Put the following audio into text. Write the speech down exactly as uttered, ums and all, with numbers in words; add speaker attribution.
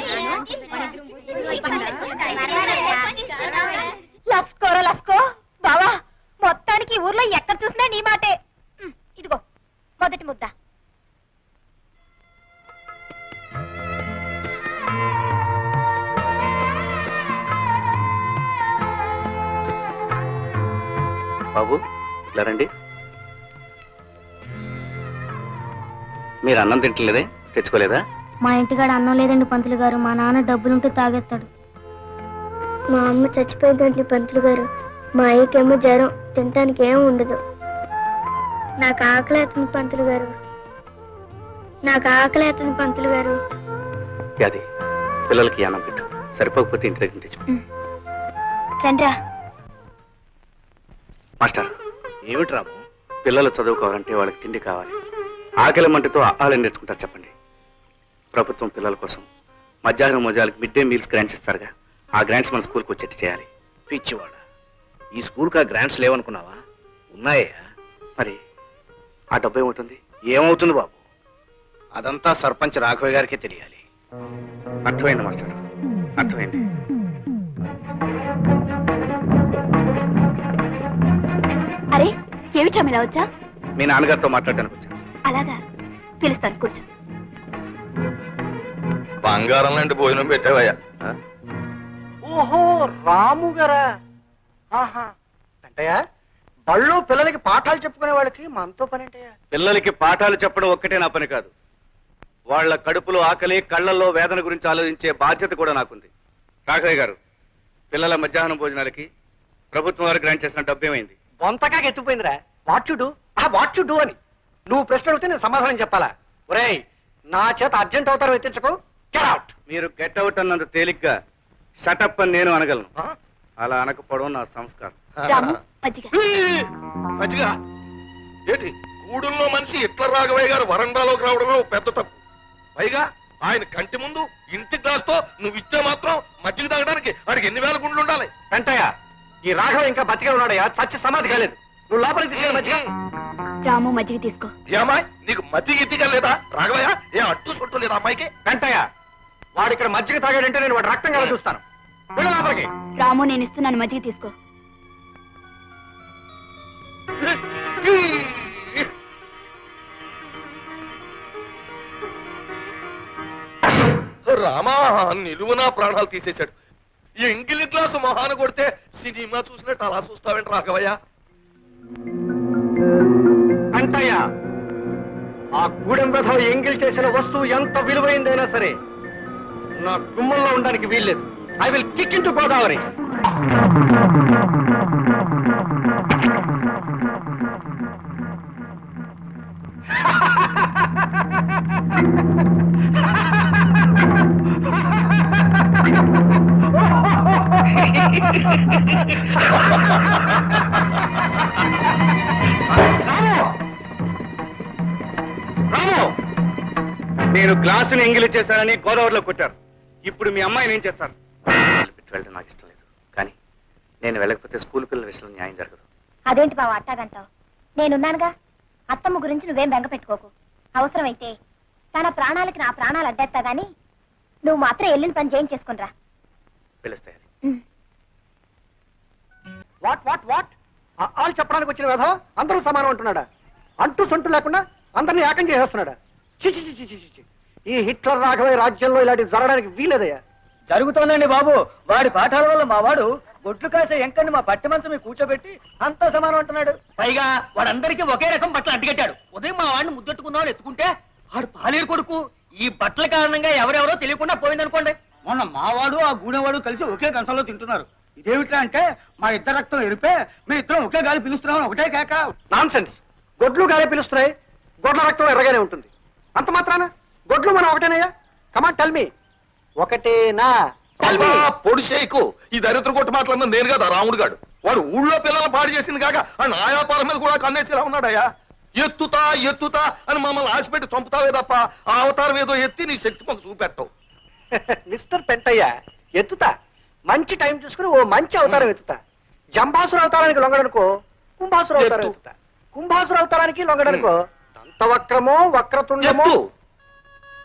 Speaker 1: లస్కోరా లస్కో బావా, మొత్తానికి ఊర్లో ఎక్కడ చూసినా నీ మాటే. ఇదిగో మొదటి ముద్ద.
Speaker 2: బాబు ఇలా రండి. మీరు అన్నం తింటలేదే, తెచ్చుకోలేదా?
Speaker 3: మా ఇంటికాడ అన్నం లేదండి పంతులు గారు. మా నాన్న డబ్బులుంటే తాగేస్తాడు. మా అమ్మ చచ్చిపోయిందండి పంతులు గారు. మా అయ్యకేమో జ్వరం, తినటానికి ఏం ఉండదు. నాకు ఆకలి అవుతుంది పంతులు గారు. నాకు ఆకలి అవుతుంది పంతులు గారు.
Speaker 2: అది పిల్లలకి అన్నం పెట్టు, సరిపోకపోతే ఇంటి దగ్గర తెచ్చు.
Speaker 3: రండ్రా.
Speaker 2: మాస్టర్, ఏమిటి రాము? పిల్లలు చదువుకోవాలంటే వాళ్ళకి తిండి కావాలి. ఆకలి మంటతో ఆహారం నేర్చుకుంటారు చెప్పండి. ప్రభుత్వం పిల్లల కోసం మధ్యాహ్నం మోజాలకు మిడ్ డే మీల్స్ గ్రాంట్స్ ఇస్తారుగా, ఆ గ్రాంట్స్ మన స్కూల్కి వచ్చేట్టు చేయాలి.
Speaker 4: పిచ్చివాడ, ఈ స్కూల్కి ఆ గ్రాంట్స్ లేవనుకున్నావా? ఉన్నాయా?
Speaker 2: మరి ఆ డబ్బు ఏమవుతుంది?
Speaker 4: ఏమవుతుంది బాబు, అదంతా సర్పంచ్ రాఘవయ్య గారికే తెలియాలి.
Speaker 2: అర్థమైంది మాస్టర్, అర్థమైంది.
Speaker 1: అరే ఏమిటా ఇలా వచ్చా?
Speaker 2: మీ నాన్నగారితో మాట్లాడడానికి వచ్చాను.
Speaker 1: అలాగా, పిలుస్తాను, కూర్చో.
Speaker 5: బంగారం లాంటి భోజనం పెట్టావయ్యా.
Speaker 4: ఓహో, రాము గారా? ఆహా, అంటయ్యా బళ్ళు పిల్లలకి పాఠాలు చెప్పుకునే వాళ్ళకి మనతో పని అంటయ్యా.
Speaker 2: పిల్లలకి పాఠాలు చెప్పడం ఒక్కటే నా పని కాదు, వాళ్ళ కడుపులో ఆకలి, కళ్ళల్లో వేదన గురించి ఆలోచించే బాధ్యత కూడా నాకుంది. రాఘవయ్య గారు, పిల్లల మధ్యాహ్నం భోజనాలకి ప్రభుత్వం వారు గ్రాంట్ చేసిన డబ్బు ఏమైంది?
Speaker 4: బొంతకాగా ఎత్తుపోయిందిరా. వాట్ యు డూ, ఆ వాట్ యు డూ అని నువ్వు ప్రశ్న అడిగితే నేను సమాధానం చెప్పాలా? ఒరేయ్, నా చేత అర్జెంట్ అవుతారో ఎత్తించకు. Get out.
Speaker 2: మీరు గెట్ అవుట్ అన్నంత తేలిగ్గా షటప్ అని నేను అనగలను. అలా అనకపోవడం నా సంస్కారం.
Speaker 1: రాము, మజ్జిగ.
Speaker 5: మంచిగా ఏంటి, గూడుల్లో మనిషి ఇట్ల రాఘవయ్య గారు వరండాలోకి రావడమే పెద్ద తప్పు. పైగా ఆయన కంటి ముందు ఇంటి గ్లాస్తో నువ్వు ఇచ్చే మాత్రం మజ్జిగ తాగడానికి వాడికి ఎన్ని వేల గుండ్లు ఉండాలి?
Speaker 4: వెంటయ్య, ఈ రాఘవ ఇంకా బతికే ఉన్నాడయ్యా, చచ్చి సమాధి కాలేదు. నువ్వు లోపలికి తీసుకెళ్ళి మధ్య.
Speaker 1: రాము, మజ్జిగ తీసుకో.
Speaker 5: ఏమాయ్, నీకు మజ్జిగ ఇద్దిగా లేదా రాఘవయ్య? ఏ అడ్డు చుట్టూ లేదా అమ్మాయికి?
Speaker 4: వెంటయ్య, వాడు ఇక్కడ మజ్జిగ తాగాడంటే నేను వాడు రక్తం కదా చూస్తాను. వెళ్ళు లోపలికి.
Speaker 1: రాము, నేను ఇస్తున్నాను, మజ్జిగ తీసుకో.
Speaker 5: రామా, నిలువునా ప్రాణాలు తీసేశాడు. ఈ ఎంగిలి గ్లాసు మొహాన కొడితే సినిమా చూసినట్టు అలా చూస్తావేంటి రాఘవయ్య?
Speaker 4: వెంటయ్య, ఆ గూడెం రథం ఎంగిల్ చేసిన వస్తువు ఎంత విలువైందైనా సరే నా గుమ్మంలో ఉండడానికి వీల్లేదు. I will kick into Godavari.
Speaker 2: నేను గ్లాసుని ఎంగిలి చేశానని గోదావరిలో కొట్టారు. ఇప్పుడు మీ అమ్మాయిని ఏం చేస్తారు? వెళ్ళడం నాకు ఇష్టం లేదు, కానీ నేను వెళ్ళకపోతే స్కూల్ పిల్లల విషయంలో న్యాయం జరగదు.
Speaker 3: అదేంటి బావ అట్టాగంటావు? నేనున్నానుగా. అత్తమ్మ గురించి నువ్వేం బెంగ పెట్టుకోకు. అవసరమైతే తన ప్రాణాలకి నా ప్రాణాలు అడ్డేస్తా గాని నువ్వు మాత్రం వెళ్ళిన పని చేయించేసుకునిరా.
Speaker 2: పిలుస్తాయి.
Speaker 4: వాట్ వాట్ వాట్ ఆలు చెప్పడానికి వచ్చిన వేధ అందరూ సమానం అంటున్నాడా? అంటూ సొంటు లేకుండా అందరినీ ఏకం చేసేస్తున్నాడా? చిచి చిచి చిచి. ఈ హిట్లర్ రాఘవయ్య రాజ్యంలో ఇలాంటివి జరగడానికి వీలేదయ్యా.
Speaker 6: జరుగుతోందండి బాబు. వాడి పాఠాల వల్ల మా వాడు గొడ్లు కాసే ఎంకని మా పట్టి మంచం మీద కూర్చోబెట్టి అంతా సమానం అంటున్నాడు. పైగా వాడందరికీ ఒకే రకం బట్టలు అంటికట్టాడు. ఉదయం మా వాడిని ముద్దెట్టుకుందామని ఎత్తుకుంటే వాడు పాలేరు కొడుకు. ఈ బట్టల కారణంగా ఎవరెవరో తెలియకుండా పోయిందనుకోండి.
Speaker 7: మొన్న మావాడు ఆ గూడెవాడు కలిసి ఒకే కంచంలో తింటున్నారు. ఇదేమిట్రా అంటే మా ఇద్దరు రక్తం ఎరిపే మీ ఇద్దరం ఒకే గాలి పిలుస్తున్నామని ఒకటే కేక.
Speaker 4: Nonsense. గొడ్లు గాలే పిలుస్తున్నాయి, గొడ్ల రక్తం ఎర్రగానే ఉంటుంది. అంత మాత్రాన గొడ్లు మనం ఒకటేనయ్యా? కమాన్ టెల్ మీ, ఒకటేనా?
Speaker 5: పొడిసేకు ఈ దరిద్ర కొట్టు మాట్లాడిన నేను కదా రాముడు గాడు. వాడు ఊళ్ళో పిల్లలు పాడు చేసింది కాక ఆ నాయాపాల మీద కూడా కన్నేసిలా ఉన్నాడయ్యా. ఎత్తుతా ఎత్తుతా అని మమ్మల్ని ఆశపెట్టి చంపుతావే తప్ప ఆ అవతారం ఏదో ఎత్తి నీ శక్తి మాకు చూపెట్టవు.
Speaker 4: మిస్టర్ పెంటయ్య, ఎత్తుతా. మంచి టైం చూసుకుని ఓ మంచి అవతారం ఎత్తుతా. జంబాసుర అవతారానికి లొంగడనుకో కుంభాసుర అవతారం ఎత్తుతా. కుంభాసుర అవతారానికి లొంగడనుకో దంతవక్రమో వక్రతుండమో